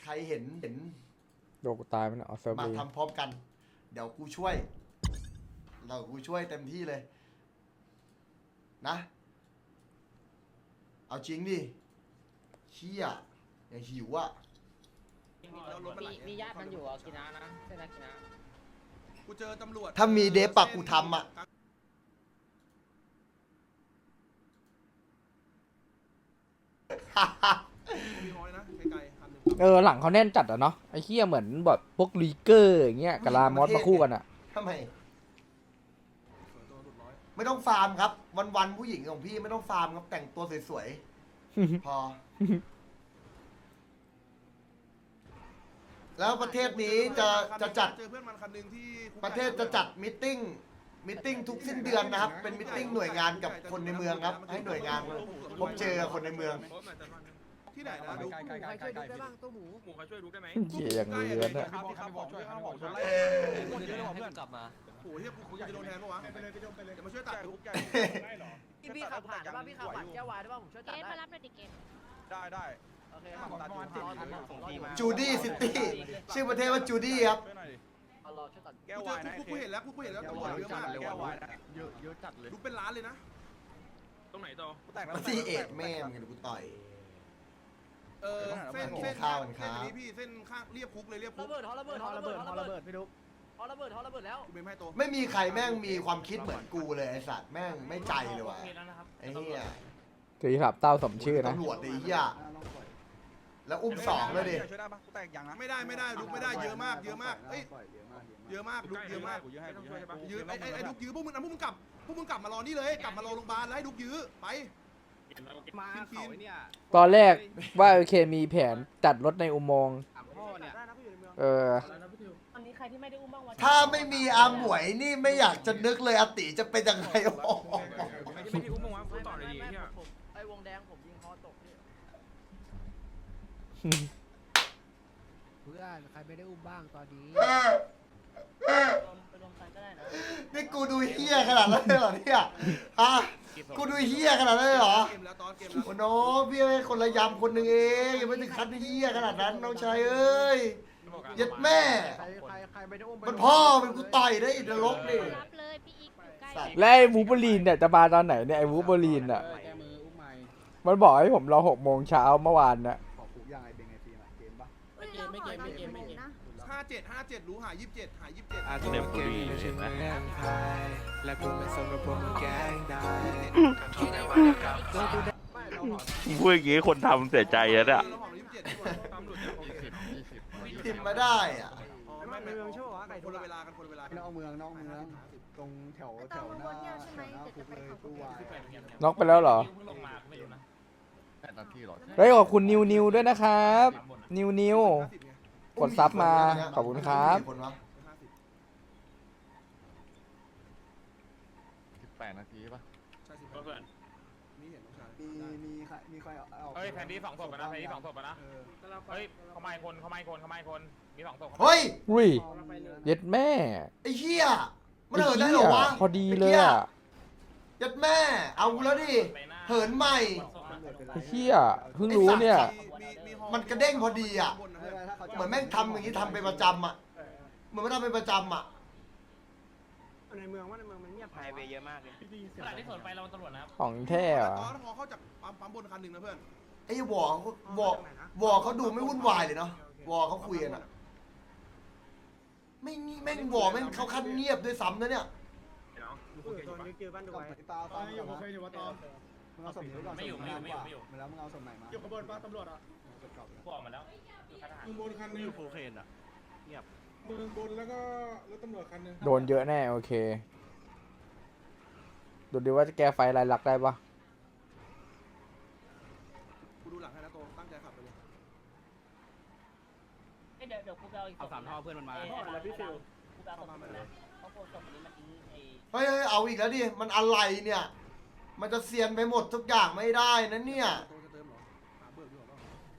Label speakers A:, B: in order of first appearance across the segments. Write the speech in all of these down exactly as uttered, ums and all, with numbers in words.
A: ใครเห็นเห็น
B: โดนกูตายมันอ๋อเซิร์ฟ
A: มา
B: ดี
A: ทำพร้อมกัน เดี๋ยวกูช่วยเรากูช่วยเต็มที่เลย นะ เอาจริงดิเชี่ยอย่างหิวอ่ะ
C: มีมีญาติมันอยู่อ่ะกินานะใช่นะกินา
D: กูเจอตำรวจ
A: ถ้ามีเดฟปักกูทำอ่ะ
D: มีฮอยนะไกลๆคันหนึ่ง
B: เออหลังเขาแน่นจัดอะเนาะไอ้เหี้ยเหมือนแบบพวกลีเกอร์อย่างเงี้ยกับลามอสมาคู่กันอะ
A: ทำไม
D: สวยตัวหลุดร้อย
A: ไม่ต้องฟาร์มครับ วันๆผู้หญิงของพี่ไม่ต้องฟาร์มครับแต่งตัวสวยๆ พอ แล้วประเทศนี้จะจะจัด
D: เจอเพื่อนมันคันหนึ่งที่
A: ประเทศจะจัดมิทติ้งมิทติ้งทุกสิ้นเดือนนะครับ เป็นมิทติ้งหน่วยงานกับคนในเมืองครับ ให้หน่วยงานพบเจอกับคนในเมือง
D: ที่ไหนนะดู
C: ใครช่วยดูได้บ้างตัวหมูหมูใครช่วยดูได้ไหม
B: เหี้ยอย่างเลือนอะ
D: ครับครับบอกช่วยครับบอกช่วยไล่
C: เพื่อนกลับมา
D: โอ้โหเฮียกูจะโดนแทนปะวะไปเลยไปเลยเดี๋ยวมาช่วยตัดคุกใหญ่
C: พี่พี่ขับผ่านได้ป่ะพี่ขับผ่านแก้ววายได้ป่ะผมช่วย
E: เก
C: ตัด
E: ต
C: ได้
E: มารับหน่อยดิเกต
D: ได้ได้
C: โอเคครับผมรอส่งทีมา
A: จูดี้ซิตี้ชื่อประเทศว่าจูดี้ครับ
D: ช่วยหน่อยดิ
C: เอารอช่วยตัด
D: แก้ววายนะกูเห็นแล้วกูเห็นแล้วตำรวจเยอะมากแก้ววายนะ
F: เยอะเยอะจัดเลย
D: ดูเป็นล้านเลยนะ
F: ตรงไหนต่อ
D: แต่ง
A: มาที่เอ็ดแม่มึงกูต่อย
D: เออเส้นเส้น
A: ข้าวกันครับ
D: เส้นนี้พี่เส้นข้างเรียบคุกเลยเรียบคุ
C: ระ
D: ก
C: เบิดฮอระเบิดฮอระเบิดฮอระเบิดพี่ดุ๊กฮอระเบิดฮอระเบิดแล้ว
D: กูเป็นให้ตัว
A: ไม่มีใครแม่งมีความคิดเหมือนกูเลยไอ้สัตว์แม่งไม่ใจเลยว่ะไอ้เหี้ย
B: คือขับเต้าสมชื่อนะ
A: ตำรวจไอ้เหี้ยแล้วอุ้มสองเลยดิ
D: ช่วยได้ปะกูแตกยังนะไม่ได้ไม่ได้ลุกไม่ได้เยอะมากเยอะมากเอ้ยเยอะมากลุกเยอะมาก
F: กูยื้อให้กูยื้อให้
D: ยื้อไอ้ไอ้ไอ้ลุกยื้อพวกมึงนะพวกมึงกลับพวกมึงกลับมารอนี่เลยกลับมารอโรงพยาบาลแล้วให้ลุกยื้อไป
F: มาเขาเนี่ย
B: ตอนแรกว่าโอเคมีแผนจัดรถในอุโมงค์
F: ถามพ่อเนี่ย
B: เออ
E: ตอนนี้ใครที่ไม่ได้อุ้มบ้างวะ
A: ถ้าไม่มีอาหมวยนี่ไม่อยากจะนึกเลยอาติจะเป็นยังไงโอ้โห
F: ไม่ได้อุ้มมั้งวะพูดต่อเลยดิเนี่ย
C: ไอ้วงแดงผมยิงฮอตกพี่
G: เพื่อนใครไม่ได้อุ้มบ้างตอนนี้
C: ไปรวมกันก็ได้นะ
A: นี่กูดูเฮี้ยขนาดนั้นเลยเหรอเนี่ยฮะกูดูเฮี้ยขนาดนั้นเลยเหรอ
D: เกมแล้วตอนเกมแล้ว
A: โอ้โหพี่เป็นคนละยำคนหนึ่งเองยังไม่ถึงขั้นเฮี้ยขนาดนั้นน้องชายเอ้ยยัดแม่
G: ใครใครใครไม่ได้อุ้ม
A: มันพ่อมันกูต่อยได้อินทรกนี่
E: รับเลยพี่อีกอยู่ใกล้
A: สัตว์
B: และไอ้วูบลีนเนี่ยจะมาตอนไหนเนี่ยไอ้วูบลีนอ่ะ
G: แก้มืออุ้มใหม่
B: มันบอกให้ผมรอหกโมงเช้าเมื่อวานน่ะ
G: ขอคุกยังไงเป็นไงทีมเกมปะ
E: ไม่เกมไม่เกมไม่เกมไม่เกม
D: ห้าเจ็ดห้าเจ็ดรู้หายี่สิบเจ็ดหายี่สิบเจ็ด
H: อาจจะเป็นเกมอยู่ใช่ไหมและกูไม่สนว่าพวกมึงแกล้งได้
I: พูดอย่างงี้คนทำเสียใจแล้วเนี่ย
D: เราหอมยี่สิบเจ็ดดีกว่า
F: ตำรวจจะโอเค
A: พิมพ์มาได้อ่ะ
D: อ๋อไม่ไม่ไม่คนละเวลากันคนละเวลากัน
G: นอกเมืองนอกเมืองตรงแถวแถวหน้าแถวหน้าคุกเลยตู้วาย
B: น็อกไปแล้วเหรอ
F: เพิ่งลงมาไม่รู้นะ
H: แปดนาทีหรอ
B: เฮ้ยขอบคุณนิวนิวด้วยนะครับ นิวนิว
D: ห้าสิบไง
B: กดซับมาขอบคุณครับ
A: มีคนวะ
D: ห้าสิบ
H: สิบแปดนาทีป่ะ
D: ใช่สิบ
F: เพื่อน
D: นี่เห็นน้องชาย
G: มีมีใครมีใครเอา
F: เฮ้ยแผนที่สองศพนะแผนที่สองศพนะ
D: เออ
F: เฮ้ยเขาไม่คนเขาไม่คนเขาไม่คนมีสองศพ
A: เฮ้ย
B: อุ้ยเย็ดแม่
A: ไอ้เหี้ยมันเหินได้เหรอวะ
B: พอดีเลยอ่ะ
A: ยัดแม่ เอาแล้วดิ เหินใหม่
B: ไอ้เหี้ยเพิ่งรู้เนี่ย
D: มีมีฮอ
A: มันกระเด้งพอดีอ่ะ
D: บนนะเพื่อน
A: เหมือนแม่งทำอย่างนี้ทำเป็นประจำอ่ะ เหมือนมันทำเป็นประจำอ่ะ
G: ในเมืองว่าในเมืองมันเงียบ
C: ไฮเวย์เยอะมากเลย
F: ขณะที่สวนไปเราตำรวจนะครับ
B: ของแท้เหรอ
D: ตอนฮอเข้าจากปั๊มปั๊มบนคันหนึ่งนะเพื่อน
A: ไอ้วอเขาวอวอเขาดูไม่วุ่นวายเลยเนาะ วอเขาคุยกันอ่ะ ไม่งีแม่งวอแม่งเขาคันเงียบด้วยซ้ำนะเนี่ย
G: ตอนนี้เจอบ้านดูไว้ตาตาอยู่เคยอยู่ว่าตอนมึงเอาสมนี้ก่อนแล้วมึงเอาสมใหม่มาอยู่ขบวนป้าตำรวจอ่ะ
F: พวกออกมาแล้วอยู่ค่ายทหาร
G: บนคันนึง
H: โคเคนอ่ะ
G: บนบนแล้วก็รถตำรวจคันนึง
B: โดนเยอะแน่โอเค ดูดิว่าจะแก้ไฟลายลักษณ์ได้ปะ
D: กูดูหลังให้นะโตตั้งใจขับไปเลย
C: เดี๋ยวเดี๋ยวกูไปเอาอีก
F: เอาสามท่อเพื่อนมันมา
C: แล้วพี่ฟิวกูไปเอาศพนี้นะเขาโพสต์ศพนี้มาทิ้งไอ้
A: เฮ้ยเฮ้ยเอาอีกแล้วดิ มันอะไรเนี่ย มันจะเซียนไปหมดทุกอย่างไม่ได้นะเนี่ย
D: โตจะเติมเหรอหาเบิกดีกว่าเปล่า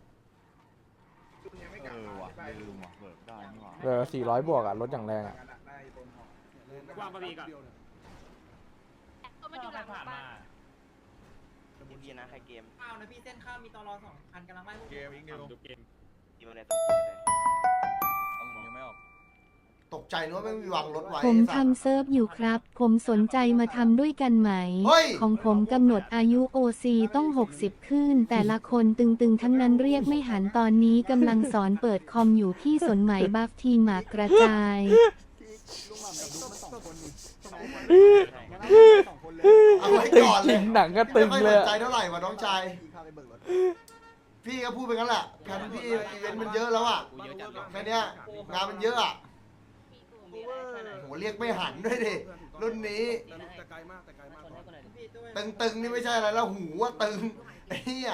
H: เออว่ะลืมว่ะเบิกได้นี่หว่า
B: เออสี่ร้อยบวกอ่ะรถอย่างแรงอ่ะ
F: วางปะพีก่อน
E: ก็มันอยู่หลัง
F: ผ่าน
E: บ้า
F: มา
C: ดีนะใครเกม
J: ข้าวนะพี่เส้นข้าวมีตอรอสองคันกำลังไล่พวก
H: เกมอีกนิว
F: ดูเกม
A: ตกใจนึกว่าไม่มีวางรถไว้
J: ผม
A: ไอ้สัตว์
J: ทำเซิร์ฟอยู่ครับ ผมสนใจมาทำด้วยกันไหม
A: เฮ้ย
J: ของผมกำหนดอายุ โอ ซี ต้องหกสิบขึ้น แต่ละคนตึงๆ ทั้งนั้นเรียกไม่หันตอนนี้กำลังสอนเปิดคอมอยู่ที่สนไหมบัฟทีหมากกระจาย
G: ลุงหม่ำกับลุงมันสองคนนี่ใช่ไหมสองคนเลย
A: เอาไว้
B: ตึง
A: ก่อน
B: จ
A: เล
B: ริ
A: ย
B: งหนังก็ตึง
A: ไม่
B: เล
A: ค่อย
B: ย
A: สนใจเท่าไหร่วะน้องชาย
G: พี่ข้าไปเบิกรถ
A: พี่ก็พูดไปงั้นแหละแค่พี่อีเวนต์มันเยอะแล้วอ่ะแค่เนี้ยงานมันเยอะอ่ะโหเรียกไม่หันด้วยดิรุ่นนี้
D: แต่ไกลมากแต่ไกลมาก
A: ตึงๆนี่ไม่ใช่อะไรแล้วหูว่าตึงไอ้เหี้ย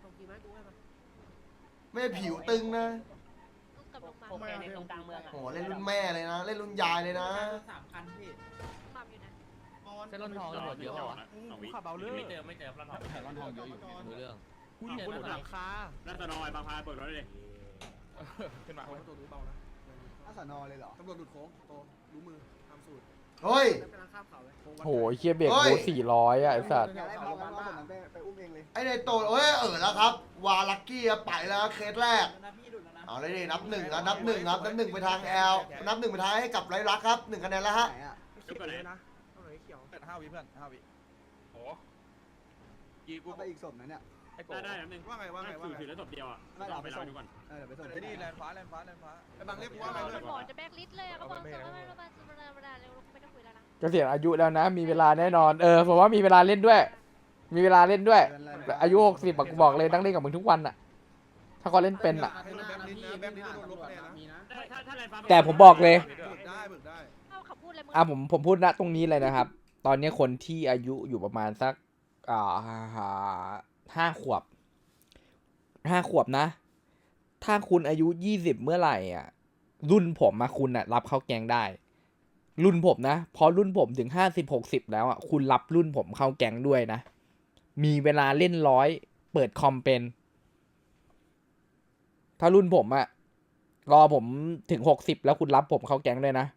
A: ไม่ผิวตึงนะ
E: กับลงมา
C: โอเคในตรงกลางเมืองอ่ะ
A: โหเล่นรุ่นแม่เลยนะ เล่นรุ่นยายเลยนะ
C: สามคันพี่
E: ปั๊มอยู่นะ
C: เส้นรถทองตำรวจเยอะเปล่าวะ
F: ขับเอาเรื่องไม่เจอไม่เจอร้านทองแต่ร้านทองเยอะอยู่
C: รู้เรื่อง
F: คุณอยู่บนหลังคาร้านสนอยบางพาเปิดรถเลยขึ้นมา
D: เอาตัวรู้เบานะ
G: อาสานอเลยเหรอ
D: ตำรวจหลุดโค้งโตรู้มือทำสูตร
A: เฮ้ย
B: โหเฮียเบรกบูสี่ร้อยอ่ะไอ้สัตว์
G: อยากได้พอกันว่าผมไปไปอุ้มเองเลย
A: ไอ้ในโตเอ้ยเออแล้วครับ วาลักกี้ไปแล้วเคสแรก เอาเลยดินับหนึ่งนะนับหนึ่งครับนับหนึ่งไปทางแอลนับหนึ่งไปทางให้กับไรลักครับหนึ่งคะแนนแล้วฮะ
G: ไหนอ่ะ
D: เขียวเลยนะเอาไหนเขียว
F: เปิดห้าวิเพื่อนห้าวิโอ้กีกู
G: เอาไปอีกศพนะเนี่ย
F: ได้ได้แล้วนึง
D: ว่าไงว่าไงว่าไง
F: ถือได้ศพเดียวอ่ะ
G: ไม่เอา
F: ไป
G: ไป
F: รอ
G: ส่ง
F: ดูก่อน
G: เออเดี๋ยวไปส่ง
F: ไอ้นี่แลนฟ้าแลนฟ้าแลนฟ้า
D: ไอ้บางเรียกกูว่าไงเลย
E: หมอจะแบกลิสต์เลยอะเขาบอกสมมติว่าเรามาธรรมดาธรรมดาเร็วไม่ต้องคุยแล้วนะ
B: เกษียณอายุแล้วนะ มีเวลาแน่นอน เออผมว่ามีเวลาเล่นด้วย มีเวลาเล่นด้วย อายุหกสิบกูบอกเลยต้องเล่นกับมึงทุกวันอ่ะ ถ้าเขาเล่นเป็นอ่ะ
D: แบบนี้นะแบบนี้โดนลบคะแนนนะ
F: ถ้าถ้าแลนฟ้า
B: แต่ผมบอกเลย
D: เบิกได้เบิกได้
E: เอาขับพูดอะไรมึง
B: อ่ะผมผมพูดณตรงนี้เลยนะครับ ตอนนี้คนที่อายุอยู่ประมาณสักอ่าห้าขวบห้าขวบนะ ถ้าคุณอายุยี่สิบเมื่อไหร่อ่ะ รุ่นผมมาคุณอ่ะ รับเข้าแกงได้ รุ่นผมนะพอรุ่นผมถึงห้าสิบหกสิบแล้วอ่ะคุณรับรุ่นผมเข้าแกงด้วยนะ มีเวลาเล่นร้อยเปิดคอมเป็น ถ้ารุ่นผมอ่ะรอผมถึงหกสิบแล้วคุณรับผมเข้าแกงด้วยนะ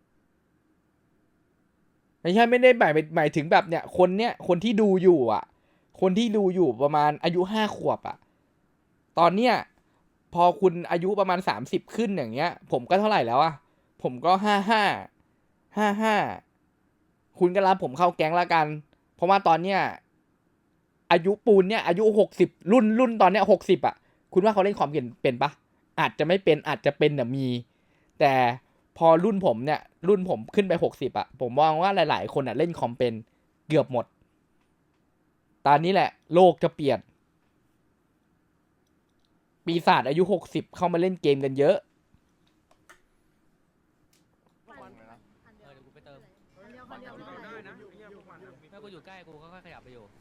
B: ไม่ใช่ไม่ได้หมายหมายถึงแบบเนี่ยคนเนี้ยคนที่ดูอยู่อ่ะ คนที่ดูอยู่ประมาณอายุห้าขวบอ่ะตอนเนี้ยพอคุณอายุประมาณสามสิบขึ้นอย่างเงี้ย ผมก็เท่าไหร่แล้วอ่ะผมก็ห้าห้าห้าห้าคุณก็รับผมเข้าแก๊งละกัน เพราะว่าตอนเนี้ยอายุปูนเนี่ยอายุหกสิบรุ่นรุ่นตอนเนี้ยหกสิบอ่ะคุณว่าเขาเล่นคอมเป็นเป็นปะอาจจะไม่เป็นอาจจะเป็นแต่มี แต่พอรุ่นผมเนี่ยรุ่นผมขึ้นไปหกสิบอ่ะผมมองว่าหลายๆคนอ่ะเล่นคอมเป็นเกือบหมดตอนนี้แหละโลกจะเปลี่ยนปีศาจอายุหกสิบเข้ามาเล่นเกมกันเยอะ
E: อันเดียว
C: เออเดี๋ยวกูไปเติม
E: อันเดียวคนเดียว
D: ได้นะไอ้เหี้ยพวกมัน
C: แม่กูอยู่ใกล้กูก็ค่อยขยับไปอยู่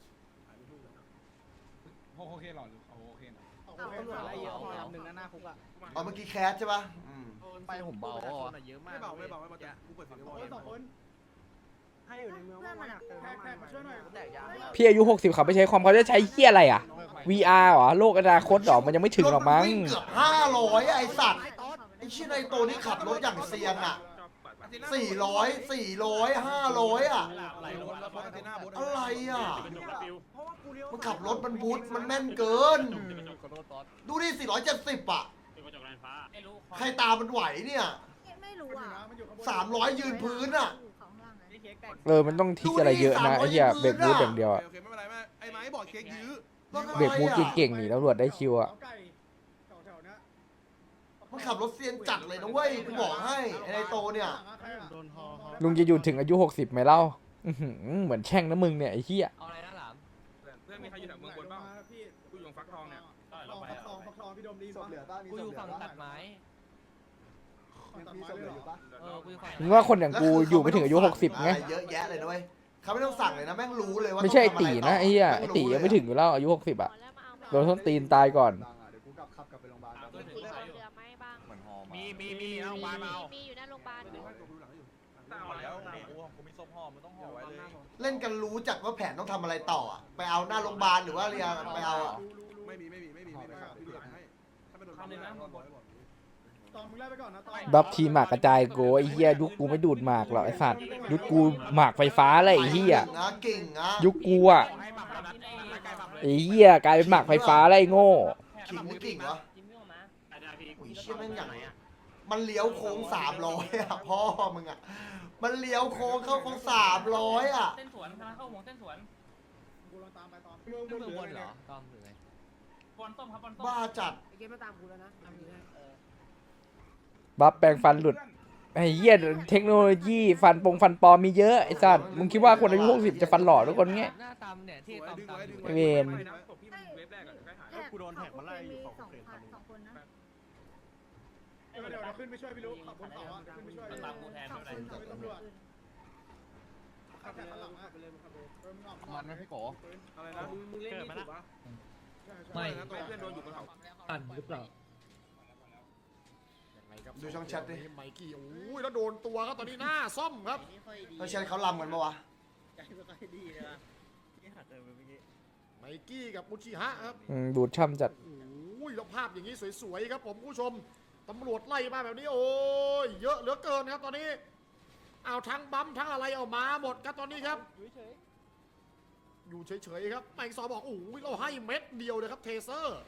F: โอเคหรอโอเคนะ
E: เอาตำรวจไล่เยอะ
C: ลำหนึ่งนะหน้าคุกอ่ะ
A: เอาเมื่อกี้แคสใช่ปะอืม
C: ไปผมเบาอ่ะเยอะมาก
D: ไม่เบาไม่เบาไม่เบาแต่กูเปิดเสียงไว้
G: สองคนให้อยู่ในเมือง
E: เพื่อนมันอะ
G: แขกมาช่วยหน่อย
C: แตกยาง
B: พี่อายุหกสิบเขาไม่ใช้คอมเขาจะใช้เฮียอะไรอ่ะ วี อาร์ เหรอโลกอนาคตเหรอมันยังไม่ถึงหรอกมั้ง
A: ถนวิ่เกือบห้าร้อยไอ้สัตว์ไอ้ชื่อในโตนี่ขับรถอย่างเซียนอ่ะสี่ร้อยสี่ร้อยห้าร้อยอ่ะ
D: ไหลรถแล้วรถอันเทน่าบด
A: อะไรอ่ะ
G: เพราะว่ากูเลี้ยว
A: มันขับรถมันบูทมันแม่นเกิน ดูดิสี่ร้อยเจ็ดสิบอ่ะ
F: ไม่รู้
A: ใครตามมันไหวเนี่ย
E: ไม่รู้อ่ะ
A: สามร้อยยืนพื้นอ่ะ
E: ของล่างไง
B: เออมันต้องทิกอะไรเยอะนะไอ้เหี้ยเบรกบูทอย่างเดียวอะ
D: โอเคไม่เป็นไรไม่ไอ้ไม้บอกเค้กยื้อ
B: เบรกบูทเก่งๆนี่ตำรวจได้คิวอะ
G: ไก่แถวๆนี้
A: มันขับรถเซียนจัดเลยนะเว้ยกูบอกให้ไอ้ในโตเนี่ย
G: โดนฮอ
B: ลุงจะอยู่ถึงอายุหกสิบไหมเล่าอื้อหือเหมือนแช่งนะมึงเนี่ยไอ้เหี้ย
C: เอาอะไรนะหลาม
F: เพื่อนมีใครอยู่แถวเมืองบนบ้าง
G: พี่
F: กูอยู่ฟักทองเนี่ย
G: ทองฟักทองฟักทองพี่ดมดีศพเหลือป่ะมี
C: กู
G: ศ
C: อ
G: พ
C: ยู่
G: เหลือ
C: ฝั่ง
G: ป่ะ
C: ตัดไม้
G: มีศพเหลืออยู่ป่ะ
C: เออกูอยู่ฝั่ง
B: มึงว่าคนอย่างกูอยู่ไม่ถึงอายุหกสิบไง
A: อะไรเยอะแยะเลยนะเว้ยเขาไม่ต้องสั่งเลยนะแม่งรู้เลยว่า
B: ไม่ใช่ไอ้
A: ต้อง
B: ตี
A: ทำะร
B: นะไอ้เหี้ย
A: แม่
B: ไอ้
A: ง
B: ตี
A: รู้
B: ยังไม่ถึงอยู่แล้วอายุหกสิบอะ
E: แล้วมาเอา
B: โดนส้นตีนตายก่อน
G: เดี๋ยวกูกลับขับกลับไปโรงพยาบาล
E: มีเหลือไหมบ้าง
F: มีมีมีเอาวายมาเอา
E: มีอยู่หน้าโรงพยาบาล
F: เอาแล้วกูกูมีส้มห่อมันต้องห่อไว้เลย
A: เล่นกันรู้จักว่าแผนต้องทำอะไรต่ออะไปเอาหน้าโรงพยาบาลหรือว่าเรียนไปเอาอะ
D: ไม่มีไม่มีไม่มีไม่มีพี่เหลือให้ถ้าเป็นโดนทำเลยนะบอกให้บอก
G: ตอนมึงไล่ไปก่อนนะตอน
B: บัฟทีหมากกระจายโกไอ้เหี้ยยุคกูไม่ดูดหมากหรอกไอ้สัตว์ยุคกูหมากไฟฟ้าเลยไอ้เหี้ย
A: เก่งนะเก่งนะ
B: ยุคกูอะ
F: ให้หมักแล้วนัดนัดไก่หมักเลย
B: ไอ้เหี้ยกลายเป็นหมากไฟฟ้าแล้วไอ้โง่
A: ขิงนี่เก่งวะ
C: จิ้มไม่ออกมา
F: ได้ได้
A: เชี่ยแม่งอย่างมันเลี้ยวโค้งสามร้อยอ่ะพ่อมึงอ่ะมันเลี้ยวโค้งเข้าโค้งสามร้อยอ่ะ
C: เส้นสวนทางเข้าหัวเส้นสวน
G: กูลองตามไปตอน
H: เมืองบนเหรอต้อมหรือไง
C: บอลต้มครับบอลต้ม
A: บ้าจัด
C: ไอเกมมาตามกูแล้วนะทำนี้นะ
B: บัฟแปลงฟันหลุดไอ้เหี้ยเทคโนโลยีฟันปงฟันปลอมมีเยอะไอ้สัตว์มึงคิดว่าคนอายุหกสิบจะฟันหล่อทุกคนเงี้ย
H: หน้าตามเนี่ยที่ตามตามอยู่
B: ไอ้เวร
E: กูโดนแท็กมาไล่อยู่สองคนสองคนนะ
G: เดี๋ยวเดี๋ยวขึ้นไปช่วยพี่ลูกขับบนเขาอ่ะขึ้นไปช่วย
C: ตามกูแทน
E: สอง
C: ไม่เป็น
E: ค
C: ไร
E: น
G: ตำรวจขับแต่ข้างหลังอ่ะไปเลยขับเลยมันออก
F: มันไหมพี่โก
D: อะไรนะ
C: มึงเล่นนี่ถูกปะ
D: ไม่นะตัวเพื่อนโดนอยู่บนเขา
C: ปั่นหรือเปล่า
A: ดูช่องแชทดิ
G: ไมกี้โอ้ยแล้วโดนตัวครับตอนนี้หน้าซ่อมครับ
A: เขาแชทเขาลำกันปะวะ
G: ไมกี้กับอุชิฮะครับ
B: อืมดูดช่ำจัด
G: โอ้ยแล้วภาพอย่างนี้สวยๆครับผมผู้ชมตำรวจไล่มาแบบนี้โอ้ยเยอะเหลือเกินครับตอนนี้เอาทั้งบัมทั้งอะไรเอามาหมดครับตอนนี้ครับอยู่เฉยๆครับแมงซอบอกโอ้ยเราให้เม็ดเดียวเลยครับเทเซอร์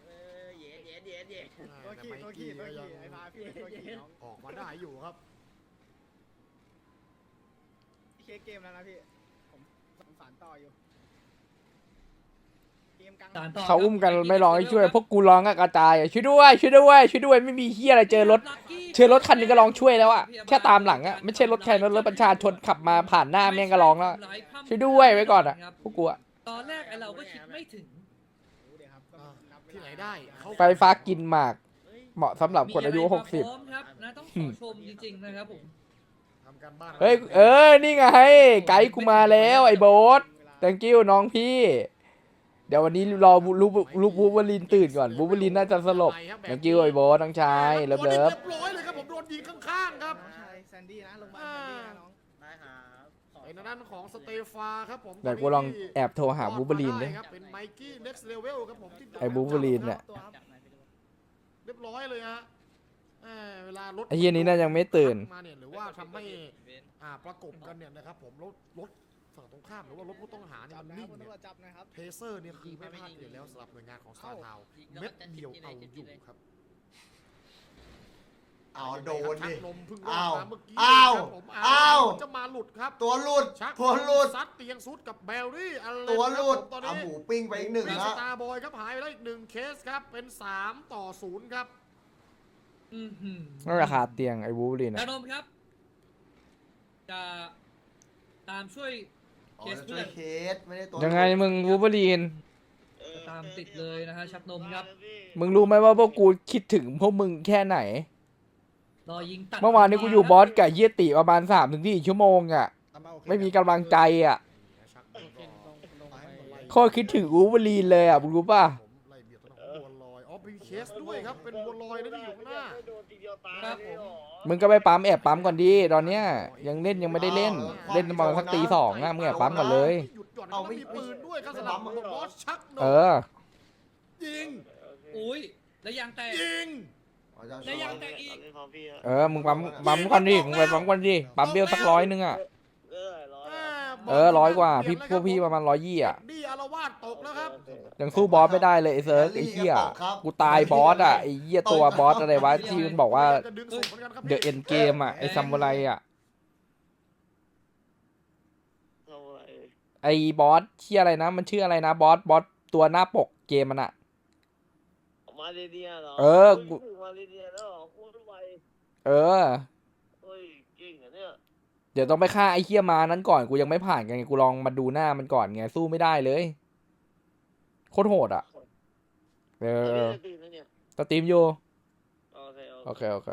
F: ตัวขี่ตัวขี่ตัวขี่ไอ้พาพี่ตัวขี่น้อง
G: ออกมาได้อยู่ครับ
F: เช็คเกมแล้วนะพี่ผมสารต่ออยู่เกมกลาง
B: เขาอุ้มกันไม่ร้องให้ช่วยพวกกูร้องอะกระจายอะช่วยด้วยช่วยด้วยช่วยด้วยไม่มีเฮียอะไรเจอรถเจอรถคันนึงก็ร้องช่วยแล้วอะแค่ตามหลังอะไม่ใช่รถใครรถรถประชาชนขับมาผ่านหน้าแม่งก็ร้องแล้วช่วยด้วยไว้ก่อนอะพวกกูอะ
C: ตอนแรกไอเราก็คิดไม่ถึง
G: ที่ไหนได้เขา
B: ไฟฟ้ากินหมากเหมาะสำหรับคนอายุหกสิบ
C: พร้อมครับนะต้องขอชมจริงๆนะครับผม
G: ทำการบ้าน
B: เฮ้ยเออนี่ไงไกด์กูมาแล้วไอ้โบ๊ท thank you น้องพี่ เดี๋ยววันนี้รอลูกลูกบูเบอลินตื่นก่อนบูเบอลินน่าจะสลบ thank you ไอ้โบ๊ทน้องชายเลิฟเลิฟ
G: เรียบร้อยเลยครับผมโดนยิงข้างๆครับ
F: น้องชายแซนดี้นะลงมาแซนดี้นะน้องได้ครับ
G: เป็นทางด้านของสเตฟาครับผม
B: เดี๋ยวกูลองแอบโทรหาบูเบอลินดิ
G: ครับเป็นไมกี้ next level ครับผมที่
B: ไอ้บูเบอลินเนี่ย
G: เรียบร้อยเลยฮะเอ่อเวลารถ
B: ไอ้เฮียนี้น่ายังไม่ตื่น
G: มาเนี่ยหรือว่าทำให้อ่าประกบกันเนี่ยนะครับผมรถรถฝั่งตรงข้ามหรือว่ารถผู้ต้องหาเนี่ย
F: จับ
G: มัน
F: นะ
G: นิ่ง
F: คุณ
G: เนี่ย
F: ตำรวจจับนะครับ
G: เทเซอร์เนี่ยคือไม่พลาดอยู่แล้วสำหรับหน่วยงานของสตาร์ทาวเม็ดเดียวเอาอยู่ครับ
A: เอาโดนดิ
G: ชักลมเพิ่งรอ
A: อ้า
G: ด
A: ว
G: มาเมื่อกี้
A: อ้าว
G: ครับผม
A: อ้าว
G: จะมาหลุดครับ
A: ตัวหลุด
G: ชัก
A: ตัวหลุด
G: ซัดเตียงซุดกับแบลลี่อะไร
A: ตัวหลุด
G: ตอน
A: เอา
G: นี้
A: หมูปิ้งไปอีกหนึ่ง
G: มีส
A: ละ
G: ตาร์บอยครับหายไปแล้วอีกหนึ่งเคสครับเป็นสามต่อศูนย์ครับ
C: อือหือ
B: นั่นราคาเตียงไอ้บูเบอลิน
C: นา
B: อะ
C: นมครับ จะตามช่วย
A: อ๋อ
C: เคส
A: จะช่
C: เพื่
A: ว
C: อย น
A: เคสไม่ได้ตัว
B: ยังไงมึงบูเบอลิน
C: จะตามติดเลยนะฮะชักนมครับ
B: มึงรู้ไหมว่าพวกกูคิดถึงพวกมึงแค่ไหน
C: รอยิงตัด
B: เมื่อวานนี้กูอยู่บอสกับเฮียติประมาณสามถึงสี่ชั่วโมงอะไม่มีกำลังใจอะ
G: ชักลงลงไป
B: โคตรคิดถึงบูเบอลินเลยอะมึงรู้ป่ะ
G: ผมไล่เบียดตัวของบัวลอยอ๋อเป็นเคสด้วยครับเป็นบัวลอยนะที่อยู่ข้างหน้า
C: ครับผม
B: มึงก็ไปปั๊มแอบปั๊มก่อนดีตอนเนี้ยยังเล่นยังไม่ได้เล่น เล่นประมาณสักตีสองอะมึงแอบปั๊มก่อนเลย
G: หยุดหย่อนต้องมีปืนด้วยครับสำหรับบอสชักน
B: เอ
G: ม
B: อ
G: ยิง
C: อุ้ยแล้วยางแตก
G: ยิง
A: อ๋อจะ
C: แล้วยางแตกอีก
B: เออมึงปั๊มปั๊มก่อนดิมึงไปปั๊มก่อนดิปั๊มเบลสักร้อยนึงอะเออร้อยกว่าพี่พวกพี่ประมาณร้อยยี่อะ
G: ดีอารวาสตกแล้วครับ
B: ยังสู้บอสไม่ได้เลยไอ้เซิร์กไอ้เหี้ยกูตายบอสอะไอ้เหี้ยตัวบอสอะไรวะที่มันบอกว่า
G: จะดึงศพหมือนกันครับ
B: เดอะเอ็นเกมอะไอ้ซัมมูไรอะไอ้บอสชื่ออะไรนะมันชื่ออะไรนะบอสบอสตัวหน้าปกเกมมันอะ
K: มาเดียเหรอ
B: เออกู
K: มาเดียแล้วเหรอโคตรไว
B: เออ
K: เฮ้ยเก่งอ่ะเนี่ย
B: เดี๋ยวต้องไปฆ่าไอ้เหี้ยมานั้นก่อนกูยังไม่ผ่านกันไงกูลองมาดูหน้ามันก่อนไงสู้ไม่ได้เลยโคตรโหดอะเออ
K: จะตื่นแล้วเนี่ย
B: สตรีมอยู่
K: โอเค
B: โอเคโอเค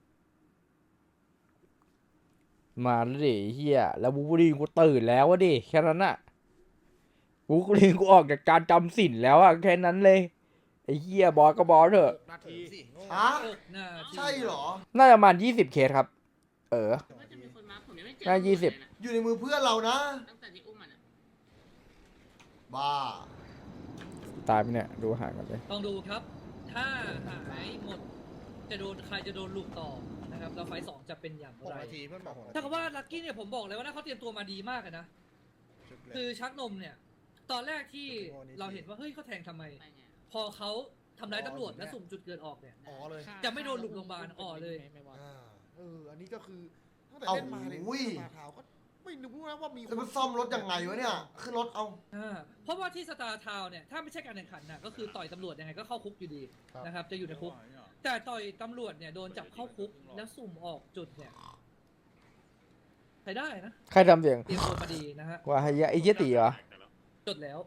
B: มาแล้วดิเฮียแล้วบูบูรีนกูตื่นแล้ววะดิแค่นั้นอะบูบูรีนกูออกจากการจำสินแล้วอะแค่นั้นเลยไอ้เฮียบอสก็บอสเถอะ
G: นาที
A: ฮะ
C: หกนาที
A: ใช่เหรอ
B: น่าจะประมาณยี่สิบเคสครับ เออ น่ายี่สิบ
A: อยู่ในมือเพื่อนเรานะ
C: ตั้งแต่ที่อุ้มมันอะ
A: บ้า
B: ตายไปเนี่ยดูห่างกันเลย
C: ลองดูครับ ถ้าหายหมด จะโดนใครจะโดนลูกต่อนะครับแล้วไฟล์สองจะเป็นอย่าง
F: หก
C: ไร
F: นาทีเพื่อนบอกหกนาที
C: ถ้ากับว่าลักกี้เนี่ยผมบอกเลยว่าน่าเขาเตรียมตัวมาดีมากเลยนะ คือชักนมเนี่ย ตอนแรกที่เราเห็นว่าเฮ้ยเขาแทงทำไม พอเขาทำร้ายตำรวจและสุ่มจุดเกิดออกเนี่ย
G: อ๋อเลย
C: จะไม่โดนหลุมโรงพยาบาลอ๋อเลย
G: อ่าเอออันนี้ก็คือตั้งแต่
A: เอา
G: เล่นมาเนี่ย
A: อุ้ย
G: สตาร์ทาวน์ก็ไม่รู้นะว่ามี
A: แล้วมันซ่อมรถยังไงวะเนี่ยขึ้นรถเอา
C: อ่าเพราะว่าที่สตาร์ทาวน์เนี่ยถ้าไม่ใช่การแข่งขันนะก็คือต่อยตำรวจยังไงก็เข้าคุกอยู่ดีนะครับจะอยู่ในคุก แต่ต่อยตำรวจเนี่ยโดนจับเข้าคุกแล้วสุ่มออกจุดเนี่ยใช้ได้นะ
B: ใครทำเสียง
C: เตรียมตัวมาดีนะฮะ
B: ว่าไอ้เหี้ยไอ้เหี้ยตีเหรอ
C: จดแล้ว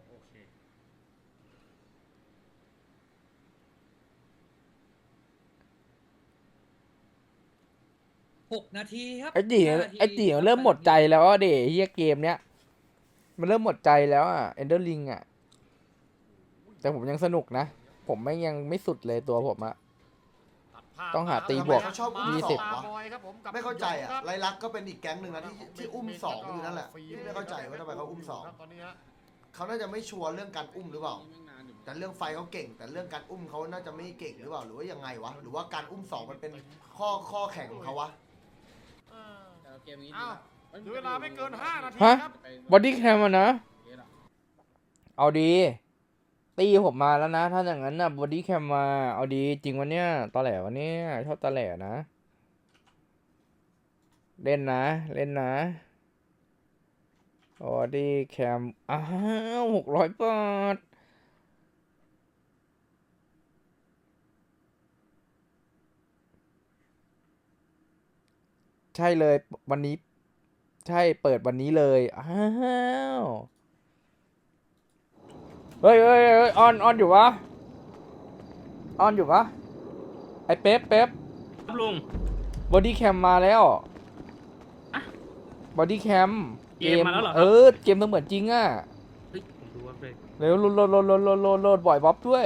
C: หกนาทีครับ
B: ไอ้ตี
C: ห้านาที
B: ไอ้ตีมันเริ่มหมดใจแล้วอ่ะเดเฮียเกมเนี้ยมันเริ่มหมดใจแล้วอ่ะเอนเดอร์ลิงอ่ะแต่ผมยังสนุกนะ ผมไม่ยังไม่สุดเลยตัวผมอ่ะ
G: ตัดภาพ
B: ต้องหาตีบวก
A: เขาชอบอุ้ม
B: ยี่
A: ส
B: สิ
A: อบ งวะ
G: บอยครับผมกับ
A: ไม่เข้าใจอ่ะ
G: ครับ
A: ไรลักษณ์ก็เป็นอีกแก๊งหนึ่งนะที่ที่อุ้มสองอยู่นั่นแหละที่ไม่เข้าใจว่าทำไมเขาอุ้มสอง
G: ตอนนี้ฮะ
A: เขาน่าจะไม่ชัวร์เรื่องการอุ้มหรือเปล่า แต่เรื่องไฟเขาเก่ง แต่เรื่องการอุ้มเขาน่าจะไม่เก่งหรือเปล่าหรือว่ายังไงวะหรือว่าการอุ้มสองมันเป็นข้อข้อแข่งของเขาวะ
G: เอออ้าวเหลือเวลาไม่เกินห้านาที
B: ฮะ
G: ครับ
B: บอดี้แคมอ่ะนะ เอาดี ตีผมมาแล้วนะ ถ้าอย่างนั้นนะบอดี้แคมมา เอาดีจริงวะเนี่ยตอแหลวะเนี่ยชอบตอแหลนะ เล่นนะ เล่นนะบอดี้แคมอ้าวหกร้อยบาทใช่เลยวันนี้ ใช่เปิดวันนี้เลยอ้าวเฮ้ยเฮ้ยเฮ้ยออนออนอยู่วะออนอยู่ปะไอเป๊ปเป๊ป
F: ครับลุง
B: บอดี้แคมมาแล้วบอดี้แคม
F: เกมมาแล้วเหรอครับ
B: เออเกมเสมือนจริงอ่ะ
F: เฮ้ยผมดูว่าเป็น
B: เร็วโหลดโหลดโหลดโหลดโหลดโหลดโหลดบ่อยบ๊อบด้วย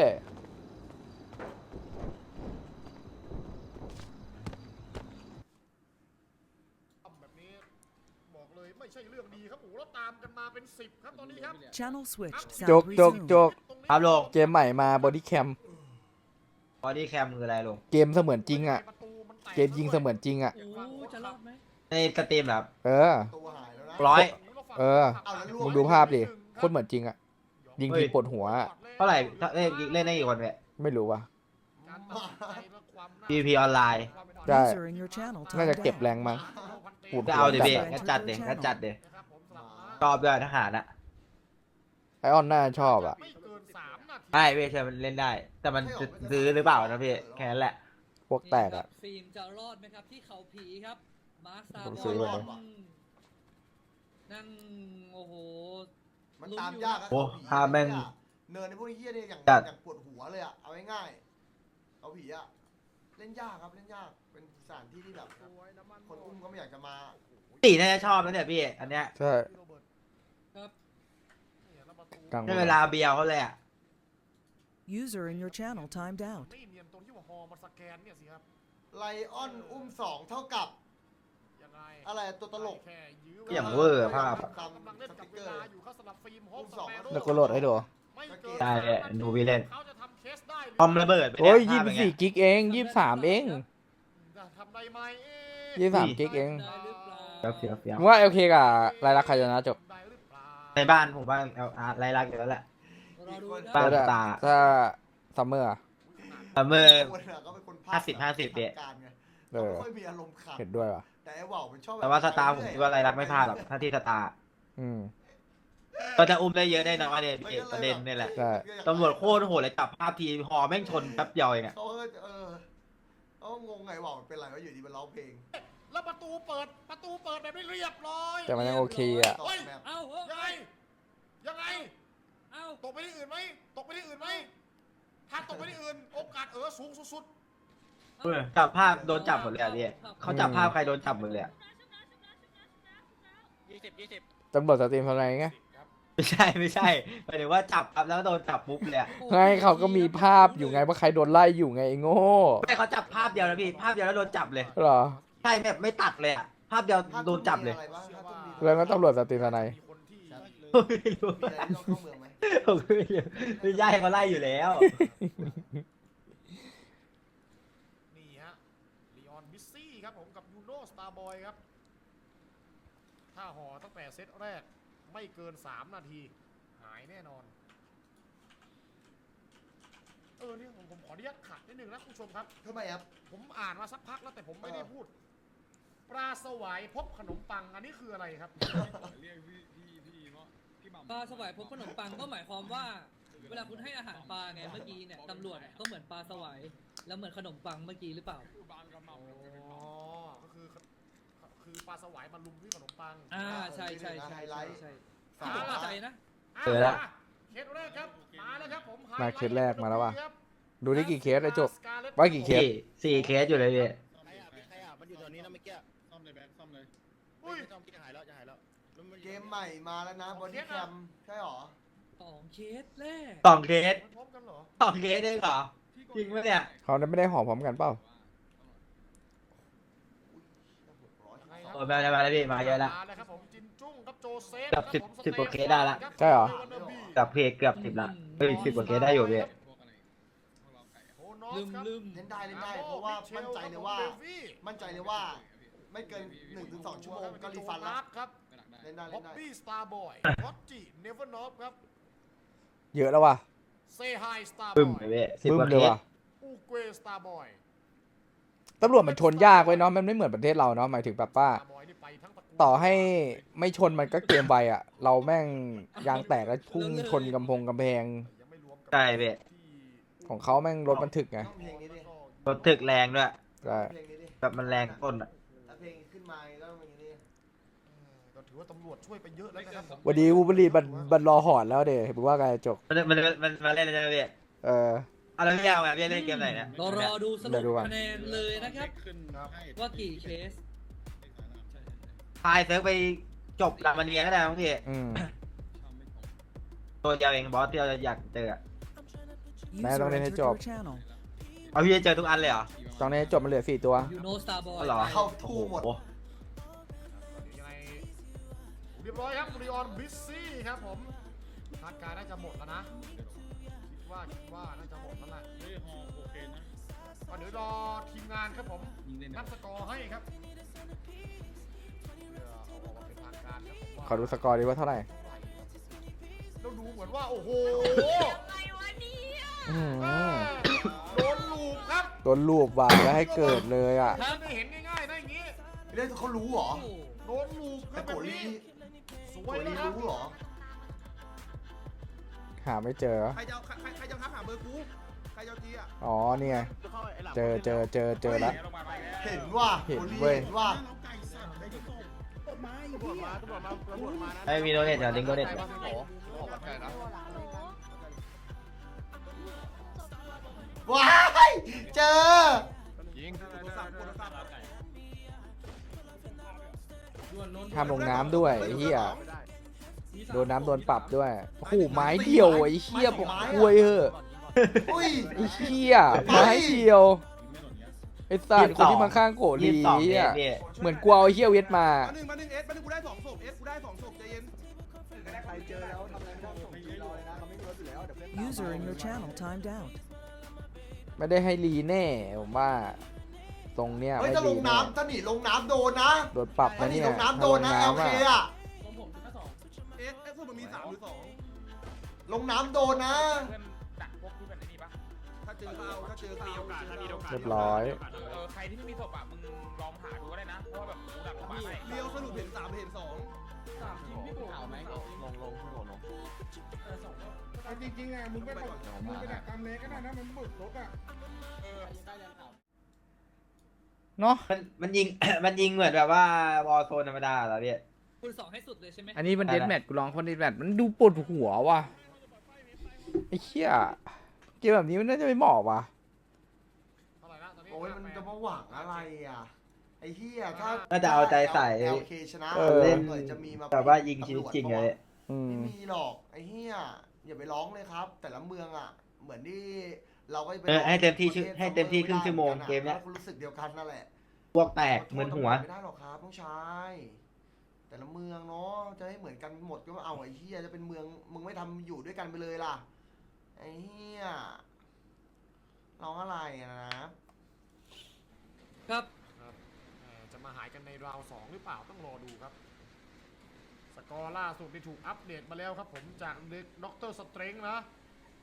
G: แบบนี้บอกเลยไม่ใช่เรื่องดีครับโอ้โหแล้วตามกันมาเป็นสิบครับตอนนี้ครับ
E: Channel switched.
B: จกจกจก
L: ครับลุง
B: เกมใหม่มาบอดี้แคม
L: บอดี้แคมคืออะไรลุง
B: เกมเสมือนจริงอ่ะ เกมยิงเสมือนจริงอ่ะ
C: โอ้จะรอดไหม
L: ในสตรีมเหรอครับ
B: เออ
A: ตัวหายแล้วนะ
L: ร้อย
B: เออ
A: เอาแล้วลูก
B: มึงดูภาพดิโคตรเหมือนจริงอ่ะ ยิงทีปวดหัวอะ
L: เท่าไหร่ถ้าเล่นเล่นได้กี่คนเนี่ย
B: ไม่รู้ว่ะ
L: พี พี ออนไลน์
B: ได้
E: User in your channel
B: น่าจะ
E: timed
B: เก็บ
E: out.
B: แรงมั้ง ปวด
L: ก็
B: หัว
L: เอาดิ
B: จัด
L: พี่
B: อะ
L: งั้นจัดเด็งั้นจัดเด็ชอบด้วยทหารอะ
B: ไอออนน่าชอบอ่ะ
G: ไม่เกินสามนาที
L: ใช่พี่เชิญมันเล่นได้ แต่มันจะซื้อหรือเปล่านะพี่แค่นั้นแหละ
B: พวกแตกอ่ะ
C: ฟิล์มจะรอดไหมครับที่เขาผีครับมาร์คซา
B: ผม
C: บ
B: ซื้อไว้
C: อยนั่งโอ้โห
A: มันตามยากอะ
L: โอ้
A: ผี
L: ภาพแม่ง
A: เนินในพวกเฮียเนี่ยอย่าง
L: จัด
A: อย่างปวดหัวเลยอะเอาง่ายๆเอาผีอะเล่นยากครับเล่นยากเป็นสถานที่ที่แบบคนอุ้มก็ไม่อยากจะมา
L: ตีน่าจะชอบนะเนี่ยพี่อันเนี้ย
B: ใช่
C: ครับ
B: กลาง
L: ใช้เวลาเบียวเขาเลยอะ
E: User in your channel timed out.
G: ไม่เนียนตรงที่ว่าฮอมาสแกนเนี่ยสิครับ
A: ไลออนอุ้มสองเท่ากับ
G: ยังไง
A: อะไรตัวตลก
G: แค่ยื้อ
L: อย่างเวอร์ภาพอะ
A: ตาม
G: กำลังเล่น
A: ส
G: กับ
A: ติ๊ก
G: เว
A: เกอ
G: ลา
A: ร์
G: อยู่เขาสลับฟิล์มโฮม
A: อุ้มสอง
B: แล้วก็โหลดให้ดู
G: ไม่เกิน
L: ใช่เนี่ยดูพี่เล่น
G: เขาจะทำเคสได้หรือ
L: คอมระเบิดไป
B: โอ้ย
L: เนี่
B: ยี่
L: ภาพ
B: สิบ
L: อย่างเงี้
B: สี่กิกเองยี่สิบสามเอง
G: จะทำได้ไหมเอ๊ะ
B: ยี่สิบสามกิกเอง
C: ได้หรือเปล่า
L: เฟี้ยวเฟี้ยว
B: มึงว่าโอเคกับรายลักษณ์ใครชนะจบ
G: ได้หรือเปล่า
L: ในบ้านผมว่าเอาอาร์ตไล่รักอยู่แล้วแหละ
C: รอดูนะ
L: บ้าน
B: แล้ว
L: ตา
B: ถ้าซัมเมอร์
L: แต่เมื่อ
A: คนอะก็เป็นคนภค
L: ห้าสิบห้าสิบเนี่ย
A: การไง
B: เออ
A: เขาไม่ค่อยมีอารมณ์ขัน
B: เห็นด้วยว่ะ
A: แต่ไอ้ว่าวมันชอบบบ
L: แต่ว่าสตาร์ผมคิดว่าไรรักไม่พลาดหรอกถ้าที่สตาร์
B: อืม
L: ก็จะอุ้มได้เยอะได้น้อยเนี่ยพี่ประเด็นนี่แหละ
B: ใช่
L: ตำรวจโคตรโหดเลยจับภาพทีหอแม่งชนแป๊บเดียวเองอะ
A: เขาก็เออเขาก็งงไงว่าวมันเป็นไรวะอยู่ดีมันร้องเพลง
G: แล้วประตูเปิดประตูเปิดแบบไม่เรียบร้อย
B: แต่มันยังโอเคอ่ะ
A: ตอบแบบ
C: เอ้าเฮ้ย
G: ยังไงยังไง
C: เอ้า
G: ตกไปที่อื่นไหมตกไปที่อื่นไหมถ้าตกไปที่อื่นโอกาสเออสูงสุด
L: จับภาพโดนจับหมดเลยอะพี่เขาจับภาพใครโดนจับหมดเลยอะ
F: ยี่สิบยี่สิบ
B: ตำรวจสตรีมทำไงไง
L: ไม่ใช่ไม่ใช่หมายถึงว่าจับครับแล้วโดนจับปุ๊บเลยอะ
B: ไงเขาก็มีภาพอยู่ไงว่าใครโดนไล่อยู่ไงไอ้โง่
L: ไม่เขาจับภาพเดียวนะพี่ภาพเดียวแล้วโดนจับเลย
B: เหรอ
L: ใช่แบบไม่ตัดเลยอะภาพเดียว
A: ถ้า
L: โดนจับเลย
A: มีอะไรบ้างถ้าต้องมี
B: แล้วก็ตำรวจสตรีมทนาย
G: ๆมีคนที่
L: ไม่รู้
A: มีอะไรที่ต้องเข้าเมืองไหม
L: ผมก็ไม่รู้ไม่ใช่เขาไล่อยู่แล้ว
G: นี่ฮะลีออนบิสซี่ครับผมกับยูโนสตาร์บอยครับถ้าห่อตั้งแต่เซตแรกไม่เกินสามนาทีหายแน่นอนเออเนี่ยผมผมขออนุญาตขัดนิดนึงนะคุณผู้ชมครับ
A: ทำไมครับ
G: ผมอ่านมาสักพักแล้วแต่ผมไม่ได้
A: เออ
G: พูด ปลาสวายพบขนมปังอันนี้คืออะไรครับ
C: ปลาสวายพบขนมปังก็หมายความว่า เวลาคุณให้อาหารปลาไงเมื่อกี้เนี่ยตำรวจก็เหมือนปลาสวายแล้วเหมือนขนมปังเมื่อกี้หรือเปล่า
G: อ๋อ ก็คือคือปลาสวายมาลุมที่ขนมปัง
C: อ่าใช่ใช่ใช่ใช่ใช่ที่ผมเข้าใจนะ
G: เจอแล้วเคสแรกครับ มาแล้วครับผม
B: มาเคสแรกมาแล้วว่ะ
G: ครับ
B: ดูได้กี่เคสไอ้จบว่ากี่เคส
L: สี่สี่เคสอยู่เลยพี่
F: มันอยู่แถวนี้นะเมื่อกี้ซ่อมเลยแบงค์ซ่อมเลย
G: อุ้ย
F: ซ่อมจะหายแล้วจะหายแล้ว
A: เกมใหม่มาแล้วนะบอดี้แคมใช่หรอ
C: สองเคสแรก
L: สองเคส
G: มันพบกันเหรอ
L: สองเคสได้เหรอจริงปะเนี่ย
B: เขาไม่ได้หอมพร้อมกันเปล่า
L: โอ้ยมาแล้วมาแล้วพี่มาเยอะแล้ว
G: มาแล้วครับผมจินจุ้งครับโจเซฟ
L: เกือบสิบ
G: ครับผม
L: สิบกว่าเคสได้ละ
B: ใช่เหรอ
L: เกือบเพเกือบสิบละเฮ้ยสิบกว่าเคสได้อยู่พี่
G: โอนอส
C: ลืม
G: ครับ
C: ลืม
A: เล่นได้เล่นได้เพราะว่ามั่นใจเลยว่า มั่นใจเลยว่า ไม่เกินหนึ่งถึงสองชั่วโมงก็รีฟันแล้ว
G: ครับ
A: เล่นได้
G: บ๊
A: เล่
G: อบ
A: นได้
G: บี้สตาร์บอยรอตจิเนเวอร์นอฟครับ
B: เยอะแล้วว่ะ
G: เซไฮสตาร์บ
L: ปึ้ม
G: อย
L: เลยพี่สิบ
B: บึ้ม
L: กว่า
B: เล
L: เค
B: ย
L: ส
B: ว่ะ
G: อูเกวสตาร์บอย
B: ตำรวจมันชนยากไว้ยเนาะมันไม่เหมือนประเทศเราเนาะหมายถึงแบบว่า
G: สตาร์บอยนี่ไปทั้งตระกูล
B: ต่อให้ไม่ชนมันก็เกมไวอ่ะ เราแม่งยางแตกแล้วพุ่งชนกำพงกำแพง
G: ยังไม่รวมกับ
L: ใช่พี่
B: ของเขาแม่งรถมันถึกไง
A: ต้องเพลงนี้ดิ
L: รถถึกแรงด้วย
B: ใช่
A: เพลงนี้ดิ
L: แบบมันแรงต้นอ่ะ
A: ถ้าเพลงขึ้นมาแล้วมันอย่างนี้
G: ก็ถือว่าตำรวจช่วยไปเยอะแล้วนะครับผม
B: วันนี้วูบลีบันบันรอหอนแล้วเดี๋ยวเห็นว่าไงจก
L: มันมันมันมันมาเล่นอะไรพี่
B: เออ
L: เอาแล้วพี่เอาไงพี่เล่นเกมไหนเนี่ย
C: รอรอดูส
B: เดี๋
C: รุ
B: ย
C: ป
B: วดูก่อน
C: คะแนนเลยนะครับ ว่ากี่เคส
L: พายเซิร์ฟไปจบหลังมันเรียนก็ได้มั้งพี่
B: อืม
L: ตัวเดียวเองบอสที่เราอยากเจออะ
B: แม่ต้องเล่นให้จบ
L: เอาพี่จะเจอทุกอันเลยเหรอ
B: ตอนนี้จบมันเหลือสี่ตัว
C: ยูโนสตาร์บอย
L: อ๋อเหรอ
A: เข้าทู่หมด
L: โอ้โ
G: ยังไงเรียบร้อยครับรีออนบิสซี่ครับผมคาดการณ์น่าจะหมดแล้วนะคิดว่าคิดว่าน่าจะหมดแล้วแหละ
F: เฮ้ยฮอโอเคนะ
G: ก็เดี๋ยวรอทีมงานครับผมนับสกอร์ให้ครับเพื่อเอาออกมาเป็นทางการครับผมว่า
B: ขอดูสกอร์ดีว่าเท่าไหร่
G: เราดูเหมือนว่าโอ้โห
B: อื้อ
G: แม่
B: หือ
G: โดนลูกครับ
B: โดนรูปว่ะแล้วให้เกิดเลยอ่ะ
G: ไม่เห็นง่ายๆนะอย่างนี้
A: เรื่องเขารู้เหรอ
C: โอ้โห
G: โดนลูกค
A: แต่
G: รับ
A: โก
G: แบบ
A: ลี
G: นี้ส
A: โก
G: วย
A: ลี
G: นะครับ
A: รู้เหรอ
B: หาไม่เจอ
D: ใครจะเอาใครใครจะทักหาเบอร์กูใครจะเอาจีอ่ะ
B: อ๋อเนี่ย เจอเจอเจอเจอแล้ว
A: เห็นว่า
B: เห็น
A: โกลี
B: เว้ย
A: เห็นว่า
L: ไม่มีโดเนทเดี๋ยวลิงก์โดเนท
A: ว้ายเจอ
B: ห้ามลงน้ำด้วยไอ้เหี้ยโดนน้ำโดนปรับด้วยโอ้โหไม้เดียวไอ้เหี้ยผมกลัวเหอะ
A: อุ้ย
B: ไอ้เหี้ยไม้เดียวไอ้สัตว์คนที่มาข้างโก
L: ยี่
B: ลี
L: สิบสองเค
B: อ่ะ
L: สพี่
B: เหมือนกลัวเอาเหี้ยเวทมา
D: มาหนึ่งมาหนึ่งเอสมาหนึ่งกูได้สองศพเอสกูได้สองศพใจเย็น
H: User in your channel timed out.
B: ไม่ได้ให้รีแน่ผมว่า ตรงเนี้ย
A: เฮ้ย
B: ไม่
A: ถ้าล
B: รี
A: ง
B: แน่
A: น้ำถ้าหนีลงน้ำโดนนะ
B: โดนปรับ
A: ถ้า
B: นะ
A: หนี
B: เนี่ย
A: ลงน้ำโดนนะ
B: ถ้า
A: โอ
B: ลง
A: เค
B: น้ำ
A: อะ
C: ของผมแค่สอง
D: เอสเอสมันมีสามหรือสอง
A: ลงน้ำโดนนะ
D: ถ้าเจอเขาถ้าเจอเขา
B: เรียบร้อย
F: ใครที่ไม่มีศพอ่ะมึงลองหาดูก็ได้นะเพราะว่าแบบกูดักลงมาให้
D: เรียวสรุปเห็นสามเห็นสอง
C: สามทีมพี่โบเอาไหม
G: จริงๆอ่ะมึงไปมึงไปดักตามเลก็ได้นะมันบึกรถอ่ะ
B: เนาะ
L: มันมันยิง มันยิงเหมือนแบบว่าวอลโซนธรรมดาเหรอพี่
C: คุณสองให้สุดเลยใช่ไหม
B: อันนี้มัน
L: ได้
B: เด
L: ละ
B: นแมทกูลองคนเดนแมทมันดูปวดหัวว่ะไอ้เหี้ยเกมแบบนี้มันน่าจะไม่เหมาะว่ะ
G: เท่าไหร่นะตอนนี้
A: โอ้ยมันจะมาหวังอะไรอ่ะ ไอ้เหี้ยถ้า
L: น่าจะเอาใจใส่
A: เอลเคชนะ
B: เออ
A: เล่นหน่อยจะมีมา
L: แบบว่ายิงชีวิตจริงเลย
B: อืม
A: ไม่มีหรอกไอ้เหี้ยอย่าไปร้องเลยครับ แต่ละเมืองอ่ะ เหมือนที่เราก็จะไป
L: เออให้เต็มที่
A: ประทศ
L: ให้เต็มที่ครึ่งชั่วโมง
A: ไได้
L: เกมเนี้ย
A: แล้วก็รู้สึกเดียวกันนั่นแหละ
L: พวกแตกเหมือนหัว
A: ไม่ได้หรอกครับน้องชายแต่ละเมืองเนาะจะให้เหมือนกันหมดก็เอาไอ้เหี้ยจะเป็นเมืองมึงไม่ทำอยู่ด้วยกันไปเลยล่ะไอ้เหี้ยร้องอะไรอะนะ
C: ครับ
G: ครับเอ่อจะมาหายกันในราวสองหรือเปล่าต้องรอดูครับ สกอร์ล่าสุดที่ถูกอัปเดตมาแล้วครับผมจากเด็กด็อกเตอร์สเตรงนะ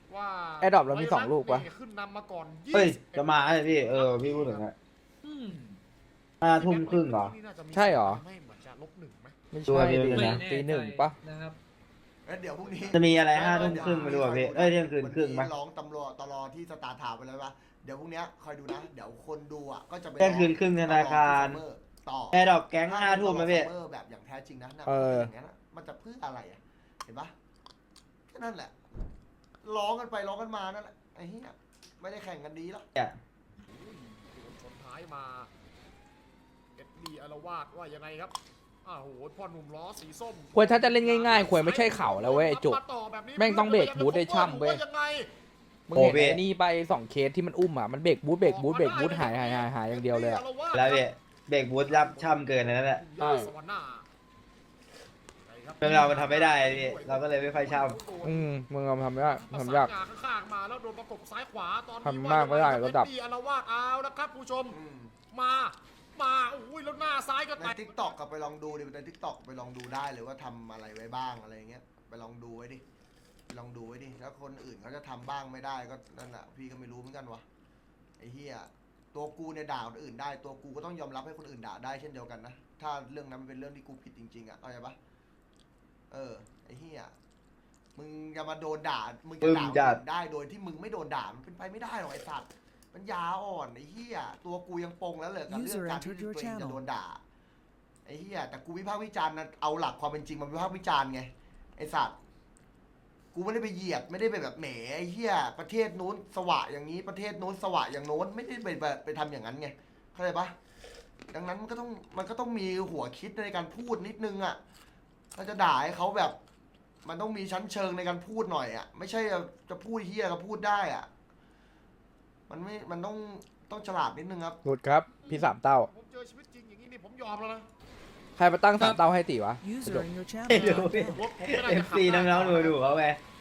G: ว่า
B: แอร์ดรอปเรามีสองลูกปะ
G: ขึ้นนำมาก่อน
L: เฮ้ย
G: ยี่สิบ
L: จะมาไอ้พี่เออพี่พูดถึงอะ
C: อืม
L: ห้าทุ่มครึ่งเหรอ
G: นี่น่าจะมี
B: ใช่เหรอ
G: ไม่เหมือนจะลบหนึ่งไหม
B: ไม่
L: ตัว
B: ใช่
L: เดียว
B: ดิ
L: เลยนะ
B: ตีหนึ่งปะ
C: นะครับ
A: แล้วเดี๋ยวพรุ่งนี้
L: จะมีอะไรห้าทุ่มครึ่งไม่รู้อ่ะพี่เอ้ยเที่ยงคืนครึ่งไหม
A: วันนี้ร้องตำรวจตลอที่สตาร์ทาวน์ไปแล้วปะเดี๋ยวพรุ่งนี้คอยดูนะ เดี๋ยวคนดูอ่ะก็จะไป
L: เที่ยงคืนครึ่งธนาคาร
A: ต่อ
L: แอร์ดรอปแก๊งห้าทุ่มไหมพี่
A: เออแบบอย่างแท้จริงนะนะ
B: เออ
A: อย่างนั้นอะมันจะเพื่ออะไรอ่ะเห็นปะแค่นั้นแหละร้องกันไปร้องกันมานั่นแหละไอ้เหี้ยไม่ได้แข่งกันดีหรอก
G: ชนท้ายมาเอ็ดดี้อารวาสว่ายังไงครับอ้าวโหพ่อหนุ่มล้อสีส้ม
B: ควรถ้าจะเล่นง่ายๆควรไม่ใช่เข่าแล้วเว้ยไอ้จุก
G: าต่อแบบนี้
B: แม่งต้องเบรกบูทได้ช่ำเว้ย
G: ยังไง
B: มึงเห็นไอ้นี่ไปสองเคสที่มันอุ้มอ่ะมันเบรกบูทเบรกบูทเบรกบูทหายหายหายหายอย่างเดียวเลยอ่ะ
L: แล้วพี่เบรกบูทยับช่ำเกินนั่นแหละ
B: ใช่
G: สวรรค์หน้า
L: เรื่องเรามันทำไม่ได้พี่เราก็เลยไม่ค่อยช่
B: อืมมึงเอาทำยากทำยาก
G: ข้างๆมาแล้วโดนประกบซ้ายขวาตอนนี้
B: ทำมากไม่ได้ระดับ
G: เอ็ดดี้อารวาสเอาแล้วครับผู้ชม
A: อืม
G: มามาอุ้ยแล้วหน้าซ้ายก็
A: ใน
G: แตะ
A: ทิกตอกก็ไปลองดูดิในทิกตอกไปลองดูได้เลยว่าทำอะไรไว้บ้างอะไรอย่างเงี้ยไปลองดูไว้ดิไปลองดูไว้ดิแล้วคนอื่นเขาจะทำบ้างไม่ได้ก็นั่นแหละพี่ก็ไม่รู้เหมือนกันวะไอ้เหี้ยตัวกูเนี่ยด่าคนอื่นได้ตัวกูก็ต้องยอมรับให้คนอื่นด่าได้เช่นเดียวกันนะถ้าเรื่องนั้นมันเป็นเรื่องที่กูผิดจริงๆอ่ะเข้าใจปะเออไอ้เหี้ยมึงจะมาโดนด่ามึงจะด่าคนอื่นได้โดยที่มึงไม่โดนด่ามันเป็นไปไม่ได้หรอกไอ้สัตว์ปัญญาอ่อนไอ้เหี้ยตัวกูยังปงแล้วเลยกับเรื่องการที่ตัวเองจะโดนด่า ไอ้เหี้ยแต่กูวิพากษ์วิจารณ์นะเอาหลักความเป็นจริงมาวิพากษ์วิจารณ์ไงไอ้สัตว์กูไม่ได้ไปเหยียดไม่ได้ไปแบบแหมไอ้เหี้ยประเทศนู้นสวะอย่างนี้ประเทศนู้นสวะอย่างโน้นไม่ได้ไปแบบไปทำอย่างนั้นไงเข้าใจปะดังนั้นมันก็ต้องมันก็ต้องมีหัวคิดในการพูดนิดนึงอ่ะถ้าจะด่าให้เขาแบบ มันต้องมีชั้นเชิงในการพูดหน่อยอ่ะไม่ใช่จะพูดเหี้ยก็พูดได้อ่ะมันไม่มันต้องต้องฉลาดนิดนึงครับ
B: หลุดครับพี่สามเต้า
G: ผมเจอชีวิตจริงอย่างนี้นี่ผมยอมแล้วนะ
B: ใครมาตั้งสามเต้าให้ตีวะ
H: User in your channel
L: ำไม่รู้
H: timed
L: พี่
H: out.
G: รถผมไม่ได้
L: เอ
G: จะ
L: ฟ
G: ขับ
L: ซี
G: ได้
L: น้องๆดูดูเขาไป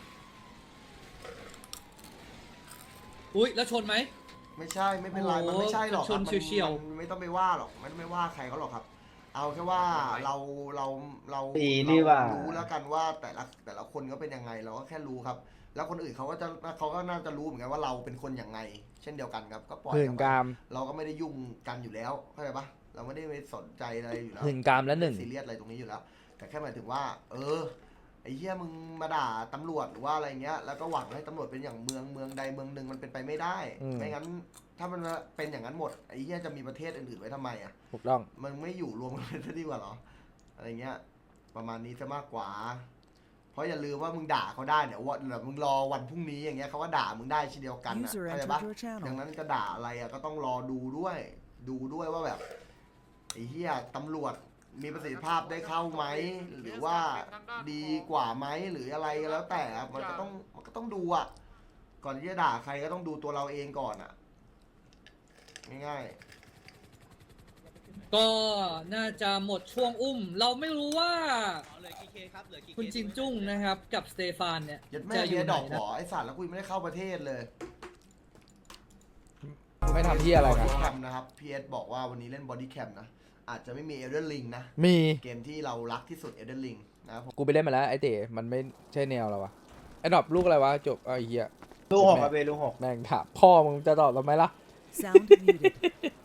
C: อุ้ยแล้วชนไหม
A: ไม่ใช่ไม่เป็นไร
C: โอ้โห
A: มันไม่ใช่หรอกครับ
C: ชน
A: มัน
C: เฉียวๆ
A: มันไม่ต้องไปว่าหรอกไม่ต้องไปว่าใครเขาหรอกครับ เอาแค่ว่าเราเราเรา
L: ตีนี่ว่า
A: เรรู้แล้วกันว่าแต่ละแต่ละคนก็เป็นยังไงเราก็แค่รู้ครับ แล้วคนอื่นเขาก็จะเขาก็น่าจะรู้เหมือนกันว่าเราเป็นคนอย่างไง เช่นเดียวกันครับก็ปล่อย
B: หื่น
A: ครับ
B: กาม
A: เราก็ไม่ได้ยุ่งกันอยู่แล้วเข้าใจปะเราไม่ได้ไปสนใจอะไรอยู่แล้ว
B: หื่นกามแล้วหนึ่ง
A: ซีเรียสอะไรตรงนี้อยู่แล้ว แต่แค่หมายถึงว่า เออไอ้เหี้ยมึงมาด่าตำรวจหรือว่าอะไรเงี้ยแล้วก็หวังให้ตำรวจเป็นอย่างเมืองเมืองใดเมืองหนึ่งมันเป็นไปไม่ได้
B: อืม
A: ไม่งั้นถ้ามันเป็นอย่างนั้นหมดไอ้เหี้ยจะมีประเทศอื่นๆไว้ทำไมอ่ะ
B: ถูกต้อง
A: มันไม่อยู่รวมกันเลยดีกว่าเหรออะไรเงี้ย ประมาณนี้จะมากกว่า เพราะอย่าลืมว่ามึงด่าเขาได้เดี๋ยววันเดี๋ยวมึงรอวันพรุ่งนี้อย่างเงี้ยเขาก็ด่ามึงได้เช่นเดียวกันนะ
H: User
A: เข้าใจ
H: entered
A: ปะ
H: your channel
A: ดังนั้นจะด่าอะไรอะก็ต้องรอดูด้วย ดูด้วยว่าแบบไอ้เหี้ยตำรวจมีประสิทธิภาพได้เข้าไหมหรือว่าดีกว่าไหมหรืออะไรก็แล้วแต่อะมันก็ต้องมันก็ต้องดูอะก่อนที่จะด่าใครก็ต้องดูตัวเราเองก่อนอะง่ายๆ
C: ก็น่าจะหมดช่วงอุ้ม เราไม่รู้ว่าคุณจินจุ้งนะครับ กับสเตฟานเนี่ย
A: ยัดแม่
C: จะอ
A: เฮี
C: ยู่
A: ย
C: ไห
A: ด
C: น
A: อกห
C: นะ
A: อไอสัตว์แล้วกูยังไม่ได้เข้าประเทศเลย
B: ไม่ทำที่อะไร
A: บ
B: กั
A: อน ดี้แคมนะครับพีเอสบอกว่าวันนี้เล่นบอดี้แคมนะ อาจจะไม่มีเอเดนลิงนะ
B: มี
A: เกมที่เรารักที่สุดเอเดนลิงนะครับผม
B: กูไปเล่นมาแล้วไอ้เต๋มันไม่ใช่แนวเราวะไอ้ดรอปลูกอะไรวะจบไอ้เหี้ย
L: ลูกหกครับพี่ลูกหก
B: แม่งถามพ่อมึงจะตอบทำไมล่ะ
H: Sound muted.